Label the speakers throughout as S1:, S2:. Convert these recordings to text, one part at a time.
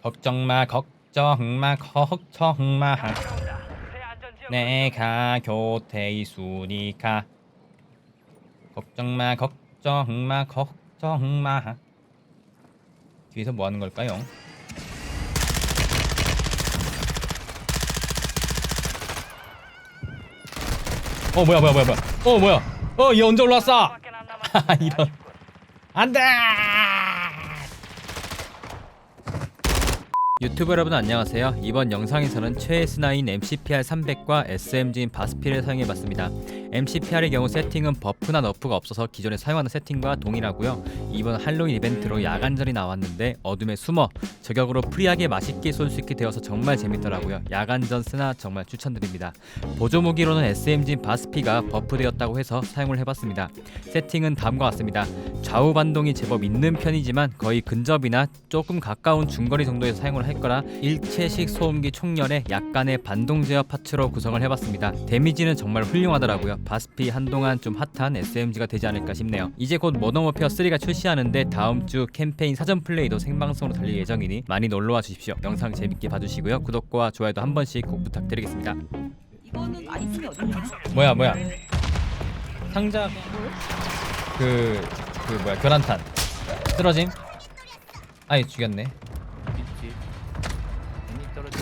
S1: 걱정마 걱정마 걱정마 내가 곁에 있으니까 걱정마 걱정마 걱정마. 뒤에서 뭐 하는 걸까요? 뭐야 얘 언제 올라왔어? 이런. 안돼. 유튜브 여러분 안녕하세요. 이번 영상에서는 최애스나인 MCPR300과 SMG인 바스피를 사용해봤습니다. MCPR의 경우 세팅은 버프나 너프가 없어서 기존에 사용하는 세팅과 동일하고요. 이번 할로윈 이벤트로 야간전이 나왔는데 어둠에 숨어 저격으로 프리하게 맛있게 쏠 수 있게 되어서 정말 재밌더라고요. 야간전 스나 정말 추천드립니다. 보조 무기로는 SMG인 바스피가 버프되었다고 해서 사용을 해봤습니다. 세팅은 다음과 같습니다. 좌우 반동이 제법 있는 편이지만 거의 근접이나 조금 가까운 중거리 정도에서 사용을 할 거라 일체식 소음기 총열에 약간의 반동 제어 파츠로 구성을 해봤습니다. 데미지는 정말 훌륭하더라고요. 바스피 한동안 좀 핫한 SMG가 되지 않을까 싶네요. 이제 곧 모던 워페어 3가 출시하는데 다음 주 캠페인 사전 플레이도 생방송으로 달릴 예정이니 많이 놀러와 주십시오. 영상 재밌게 봐주시고요. 구독과 좋아요도 한 번씩 꼭 부탁드리겠습니다.
S2: 이거는 아이템이 어딨냐?
S1: 뭐야 상자 뭐야 교란탄 쓰러짐. 아이 죽였네.
S3: 있지. 괜히 떨어지.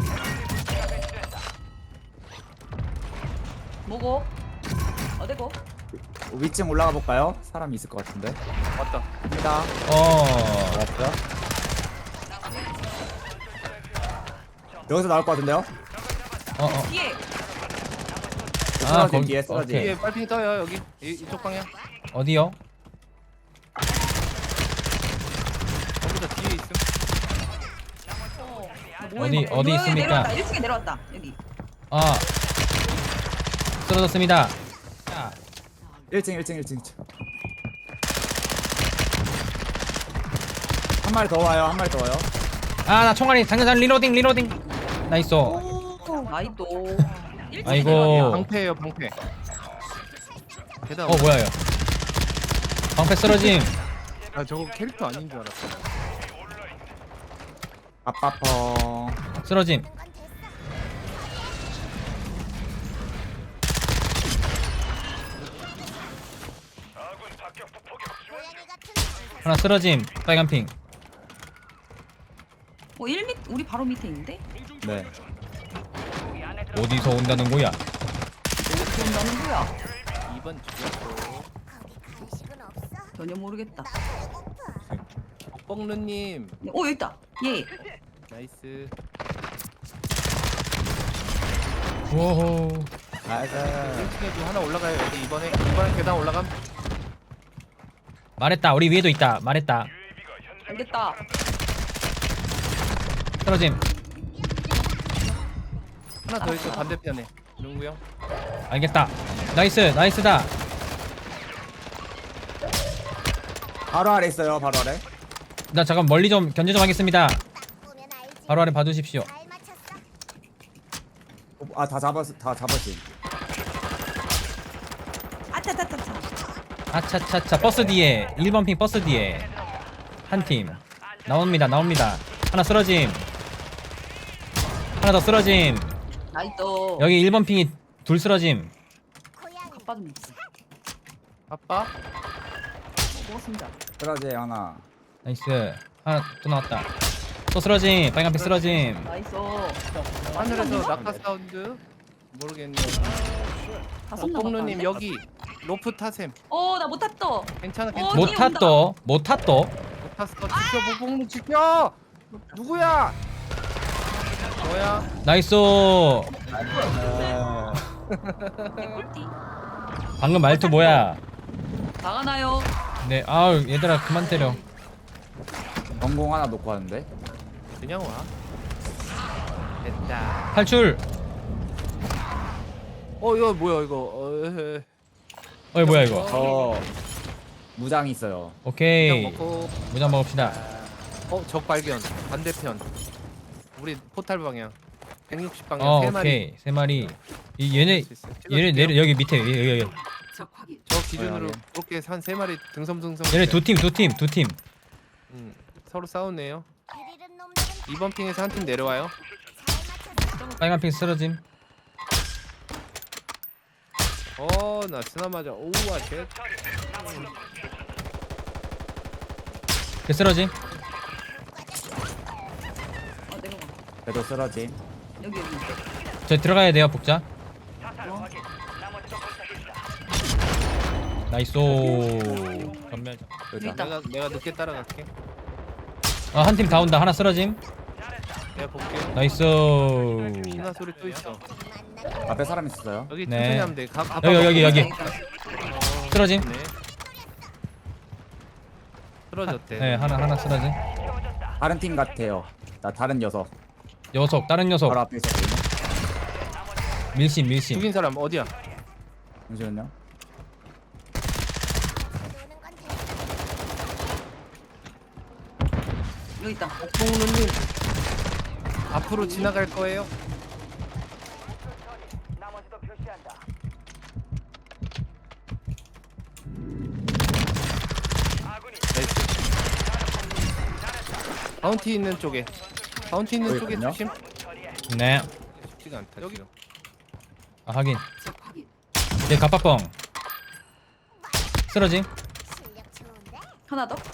S2: 뭐고? 어디고?
S4: 위층 올라가 볼까요? 사람이 있을 것 같은데.
S3: 왔다.
S4: 갑니다. 알았죠? 여기서 나올 것 같은데요?
S2: 뒤에!
S1: 아,
S4: 쓰러짐
S1: 거기-
S4: 뒤에 쓰러짐.
S1: 오케이.
S3: 뒤에 빨핑 떠요 여기. 이쪽 방향.
S1: 어디요?
S3: 거기다 뒤에 있음.
S1: 어디 있습니까?
S2: 내려왔다. 1층에 내려왔다. 여기.
S1: 쓰러졌습니다. 자,
S4: 1층. 한 마리 더 와요.
S1: 나 총알이 장전장 리로딩 나이스.
S2: 나이도.
S1: 아이고.
S3: 방패예요 방패. 계단.
S1: 뭐야 이거 방패 쓰러짐.
S3: 아 저거 캐릭터 아닌 줄 알았어.
S4: 아빠펑.
S1: 쓰러짐. 하나 쓰러짐. 빨간 핑.
S2: 1m 우리 바로 밑에 있는데?
S4: 네.
S1: 어디서 온다는 거야?
S2: 어떻게 온다는 거야?
S3: 2번 죽였고.
S2: 전혀 모르겠다.
S3: 뻑르님
S2: 여기 있다. 예.
S3: 나이스.
S1: 오호.
S4: 나이스.
S3: 1층에도 하나 올라가요 여기 이번에 계단 올라감.
S1: 말했다. 우리 위에도 있다. 말했다.
S2: 알겠다.
S1: 쓰러짐.
S3: 하나 더 있어 반대편에. 누구 형?
S1: 알겠다. 나이스다.
S4: 바로 아래 있어요. 바로 아래.
S1: 나 잠깐 멀리 좀 견제 좀 하겠습니다. 바로 아래 봐주십시오.
S4: 다 잡았지.
S2: 아차차차차.
S1: 아차차차 버스 뒤에 1번 핑 버스 뒤에 한 팀 나옵니다. 하나 쓰러짐. 하나 더 쓰러짐.
S2: 나이도.
S1: 여기 1번 핑이 둘 쓰러짐.
S2: 아빠 좀 있어.
S3: 아빠?
S2: 먹었습니다.
S4: 쓰러짐 하나.
S1: 나이스. 하나 또 나왔다. 또 쓰러짐. 빨간 핑 쓰러짐.
S2: 나이스.
S3: 하늘에서 낙하 사운드. 모르겠네. 뻑르님 여기 로프 타셈.
S2: 나 못 탔어.
S3: 괜찮아
S2: 어,
S3: 괜찮아.
S1: 못 탔도.
S3: 못 탔어. 지켜 뻑르 지켜. 누구야? 뭐야?
S1: 나이스.
S2: 꿀띠.
S1: 방금 말투 뭐야?
S2: 나가나요?
S1: 네. 아우 얘들아 그만 때려.
S4: 전공 하나 놓고 하는데.
S3: 그냥 와. 됐다.
S1: 탈출.
S3: 이거 뭐야 이거.
S1: 뭐야 이거?
S4: 저 무장 있어요.
S3: 그냥
S1: 오케이.
S3: 먹고.
S1: 무장 먹읍시다.
S3: 적 발견. 반대편. 우리 포탈 방향. 160 방향 세 마리.
S1: 오케이. 세 마리. 얘네
S3: 찍어줄게요.
S1: 내려 여기 밑에 여기.
S2: 적 확인.
S3: 저 기준으로
S4: 확인.
S3: 그렇게 한 세 마리 등섬.
S1: 얘네 두 팀.
S3: 서로 싸우네요. 2번 핑에서 한 팀 내려와요.
S1: 빨간 핑 쓰러짐.
S3: 나 스나 맞아. 오와 쉣.
S1: 걔 쓰러짐.
S2: 내려가.
S4: 그래도 쓰러짐.
S2: 여기.
S1: 저희 들어가야 돼요 복자. 나이스. 전멸.
S2: 여기 있다.
S3: 내가 늦게 따라갈게.
S1: 한 팀 다 온다. 하나 쓰러짐.
S3: 내가 볼게.
S1: 나이스.
S3: 신화 소리 또 있어.
S4: 앞에 사람 있었어요.
S3: 여기
S1: 네.
S3: 천천히 하면 돼.
S1: 여기. 쓰러짐.
S3: 네. 쓰러졌대.
S1: 네 하나 쓰러짐.
S4: 다른 팀 같아요. 나 다른 녀석.
S1: 녀석 다른 녀석.
S4: 바로 앞에 있었거든요.
S1: 밀심.
S3: 죽인 사람 어디야?
S4: 잠시만요.
S2: 여기 있다.
S3: 옥봉루님 앞으로 지나갈 거예요? 나이스. 바운티 있는 쪽에. 바운티 있는 쪽에
S4: 있군요.
S3: 조심.
S1: 네.
S3: 쉽지가 않다. 여기
S1: 확인.
S2: 적 확인.
S1: 얘 갑박뻥. 쓰러짐.
S2: 하나 더.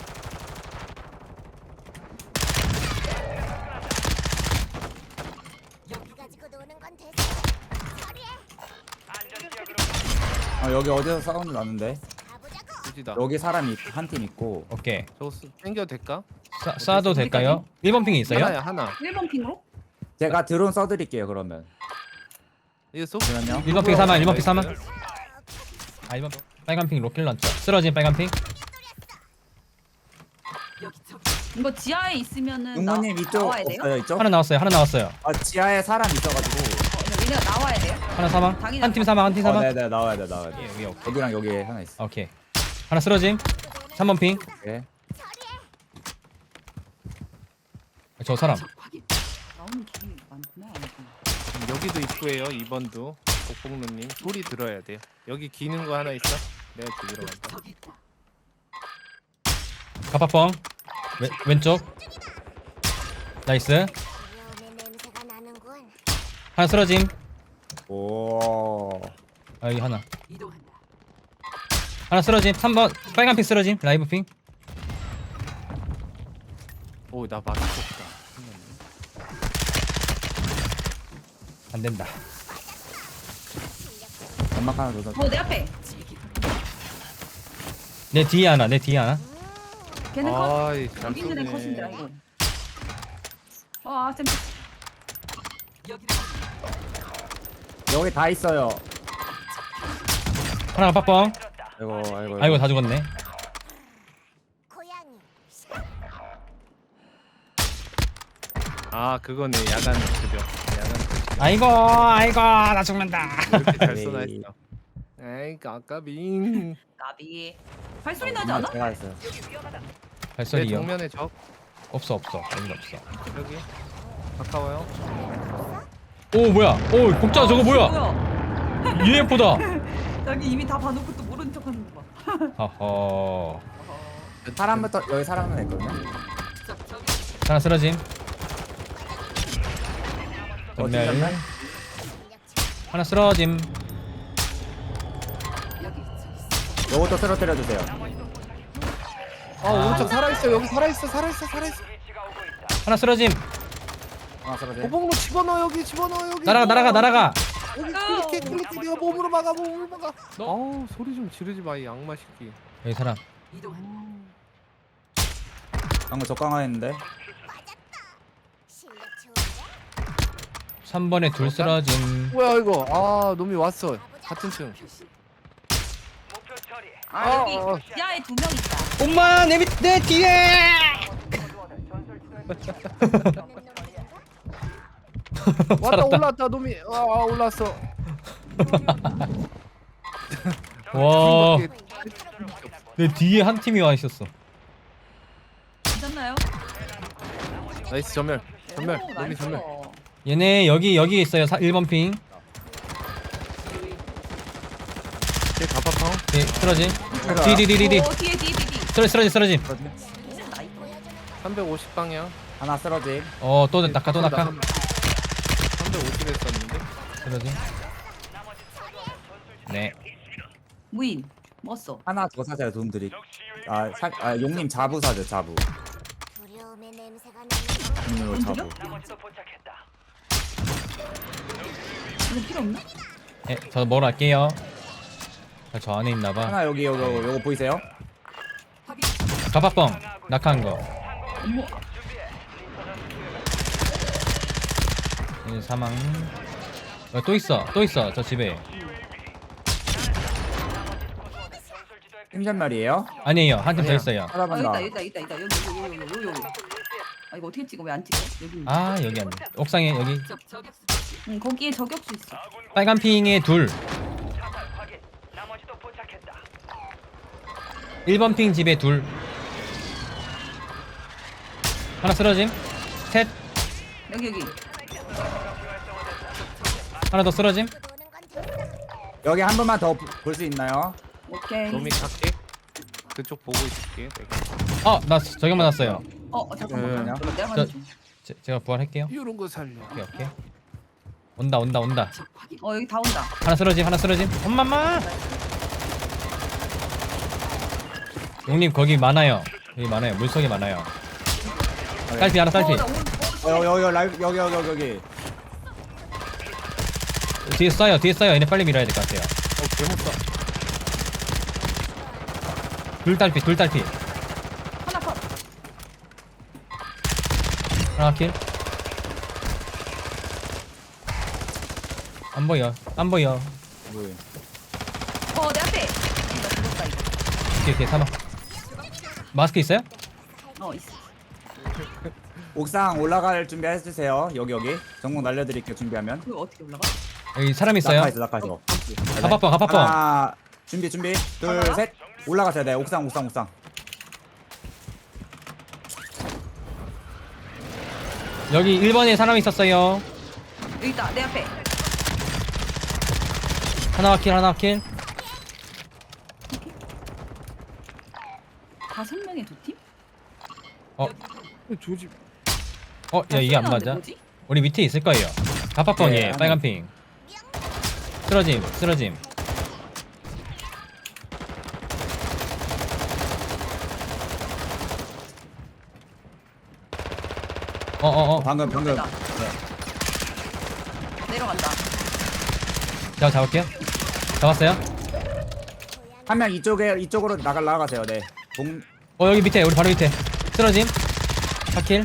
S4: 여기 어디서 사운드 나는데?
S3: 굳이다.
S4: 여기 사람이 한 팀 있고.
S1: 오케이.
S3: 저거 땡겨도 될까?
S1: 쏴도 될까요? 1번 핑이 있어요?
S3: 하나야 하나.
S2: 1번 핑으로?
S4: 제가 드론 써드릴게요 그러면.
S3: 이거 쏘?
S4: 잠시만요.
S1: 1번 핑 사망. 1번 핑 사망.
S3: 나이스.
S1: 1번 빨간 핑 로켓 런처. 쓰러짐 빨간 핑.
S2: 이거 지하에 있으면은
S4: 용모님 이쪽
S2: 나와야 돼요?
S4: 없어요 이쪽?
S1: 하나 나왔어요.
S4: 지하에 사람 있어가지고.
S2: 얘네가 나와야 돼요?
S1: 하나 사망.
S2: 당연히
S1: 한 팀 사망. 한 팀 사망.
S4: 네네 나와야 돼.
S1: 여기 오케이.
S4: 여기랑 여기 하나 있어.
S1: 오케이. 하나 쓰러짐. 3번 핑.
S4: 네.
S1: 저 사람.
S2: 나오는 길이 많구나.
S3: 여기도 입구에요. 2번도. 옥봉루님 소리 들어야 돼요. 여기 기는 거 하나 있어? 내가 죽이러 간다.
S1: 갑박뻥. 왼쪽. 나이스. 하나 쓰러짐.
S4: 오.
S1: 여기 하나. 하나 쓰러짐. 3번 빨간 핑 쓰러짐. 라이브 핑.
S3: 오, 나 맞췄다.
S1: 안 된다.
S4: 연막 하나 더.
S2: 내 앞에.
S1: 내 뒤에 하나.
S2: 걔는 컷.
S3: 아이, 잘
S2: 여기는 컷인 줄
S3: 쏘네.
S2: 알고. 쌤.
S4: 여기 다 있어요.
S1: 하나 갑박뻥.
S4: 아이고.
S1: 다 죽었네.
S3: 아, 그거네. 야간 그죠. 야간
S1: 아이고 나 죽는다.
S3: 왜 이렇게 잘
S4: 에이.
S3: 쏘나 했어. 에이, 까까빙.
S2: 나비. 발소리 나지 않아?
S4: 제가 했어요.
S3: 내
S1: 발소리요?
S3: 정면에 적.
S1: 없어. 여기 없어.
S3: 여기. 가까워요.
S1: 오 뭐야? 오 복자 저거 뭐야?
S2: 뭐야?
S1: UFO다.
S2: 여기 이미 다 봐놓고 또 모르는 척하는 거 봐.
S1: 허허.
S4: 사람부터 여기 사람 하나 있거든요.
S1: 하나 쓰러짐.
S4: 어디
S1: 전멸.
S4: 전멸?
S1: 하나 쓰러짐.
S4: 요것도 쓰러뜨려 주세요.
S3: 오른쪽 살아있어. 여기 살아있어.
S1: 하나 쓰러짐.
S4: 하나 쓰러져.
S3: 고봉로 집어넣어. 여기 집어넣어. 여기.
S1: 날아가.
S3: 여기 클릭해. 네가 몸으로 막아. 어우, 소리 좀 지르지 마, 이 악마 새끼.
S1: 여기 사람.
S4: 방금 적강화했는데.
S1: 3번에 둘 쓰러짐.
S3: 뭐야 이거? 아, 놈이 왔어. 같은 층.
S2: 여기
S3: 어.
S2: 지하에 2명 있다.
S1: 엄마 내 뒤에.
S3: 왔다. 올라왔다. 놈이 올라왔어.
S1: 와. 내 뒤에 한 팀이 와 있었어.
S2: 괜찮나요?
S3: 나이스 전멸.
S2: 오,
S3: 놈이
S2: 나이스.
S3: 전멸.
S1: 얘네 여기 있어요. 1번 핑.
S3: 제 가파팡.
S1: 네, 쓰러짐. 뒤.
S2: 오, 뒤에.
S1: 쓰러짐.
S3: 350 방향.
S4: 하나 쓰러짐.
S1: 또 낙하 또 낙하.
S3: 350 했었는데.
S1: 쓰러짐. 네.
S2: 무인. 먹었어.
S4: 하나 더 사세요 돈 드리. 용님 자부 사죠 자부.
S5: 두려움의 냄새가 나는
S4: 용님으로
S2: 돈
S4: 자부.
S2: 이거 필요 없나?
S1: 네, 저 먹으러 갈게요. 저 안에 있나봐.
S4: 하나 여기 요거 보이세요?
S1: 가파뻥 낙하한 거.
S2: 어머.
S1: 사망. 또 있어 저 집에.
S4: 팀전멸이에요?
S1: 아니에요, 한 팀 더
S3: 아니야.
S1: 있어요.
S2: 아
S4: 찾아본다.
S2: 여기다 여기. 여기. 아 이거 어떻게 찍어? 왜 안 찍어? 여기. 있네.
S1: 아 여기 안 돼. 옥상에 여기
S2: 응 거기에 저격수 있어.
S1: 빨간 핑에 둘. 1번 핑 집에 둘. 하나 쓰러짐. 셋.
S2: 여기.
S1: 하나 더 쓰러짐.
S5: 도는 건 됐어.
S4: 여기 한 번만 더 볼 수 있나요?
S2: 오케이.
S3: 놈이 갈게. 그쪽 보고 있을게. 내가.
S1: 나 저격 맞았어요.
S2: 잠깐만.
S4: 네.
S2: 그럼 내가
S1: 저-
S2: 먼저 좀.
S1: 제가 부활할게요.
S3: 이런 거 살려.
S1: 오케이. 온다.
S2: 여기 다 온다.
S1: 하나 쓰러짐. 엄마마. 용님 거기 많아요. 여기 많아요. 물속에 많아요. 딸피 하나 딸피.
S2: 나 오늘
S4: 여기 라이브 여기.
S1: 뒤에 쏴요. 얘네 빨리 밀어야 될 것 같아요.
S3: 개못 써.
S1: 둘 딸피.
S2: 하나 컷.
S1: 하나 킬. 안 보여.
S4: 뭐예요?
S2: 내 앞에. 나 죽었다 이거.
S1: 오케이 사망. 마스크 있어요?
S2: 있어.
S4: 옥상 올라갈 준비 해주세요. 여기. 전공 날려드릴게요 준비하면.
S2: 그거 어떻게 올라가?
S1: 여기 사람 있어요.
S4: 낙하있어.
S1: 가파뻥.
S4: 하나 준비. 둘 셋. 올라가셔야 돼. 옥상.
S1: 여기 1번에 사람 있었어요.
S2: 여기 있다. 내 앞에.
S1: 하나 킬.
S2: 5명의 두 팀?
S3: 조지.
S1: 야 이게 안 맞아.
S2: 뭐지?
S1: 우리 밑에 있을 거예요. 가파뻥이에요.
S4: 네,
S1: 빨간 핑. 쓰러짐.
S4: 방금.
S2: 됐다. 내려간다.
S1: 제가 잡을게요. 잡았어요?
S4: 한 명 이쪽으로 나가세요. 네.
S1: 여기 밑에 우리 바로 밑에 쓰러짐. 4킬.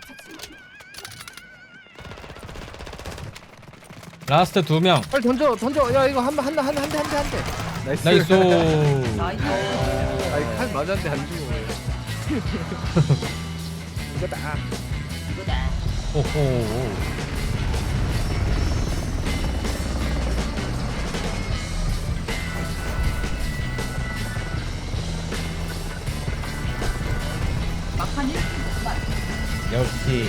S1: 라스트 2명.
S3: 빨리 던져. 야 이거 한 대. 나이스.
S1: 나이스.
S2: 나이스.
S3: 아이 칼 맞았는데 안 죽어. 이거다.
S2: 이거다.
S1: 오호.
S2: 막판 1분.
S1: 역시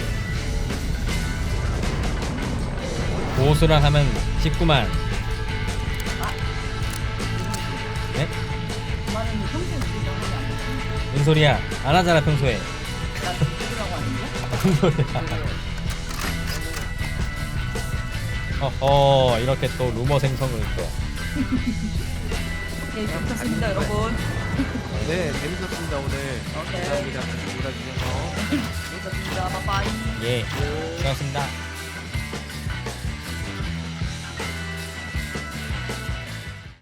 S1: 고수랑 하면 19만. 네?
S2: 그만은 평소에 우리가 하면 안 돼.
S1: 무슨 소리야? 안 하잖아 평소에.
S2: 나 죽으라고 하는데?
S1: 무슨 소리야? 이렇게 또 루머 생성을 또.
S2: 네, 좋습니다, 여러분.
S3: 네 재밌었습니다 오늘. 감사합니다. 놀아주셔서.
S2: 좋습니다. 빠빠이.
S1: 예. 고맙습니다.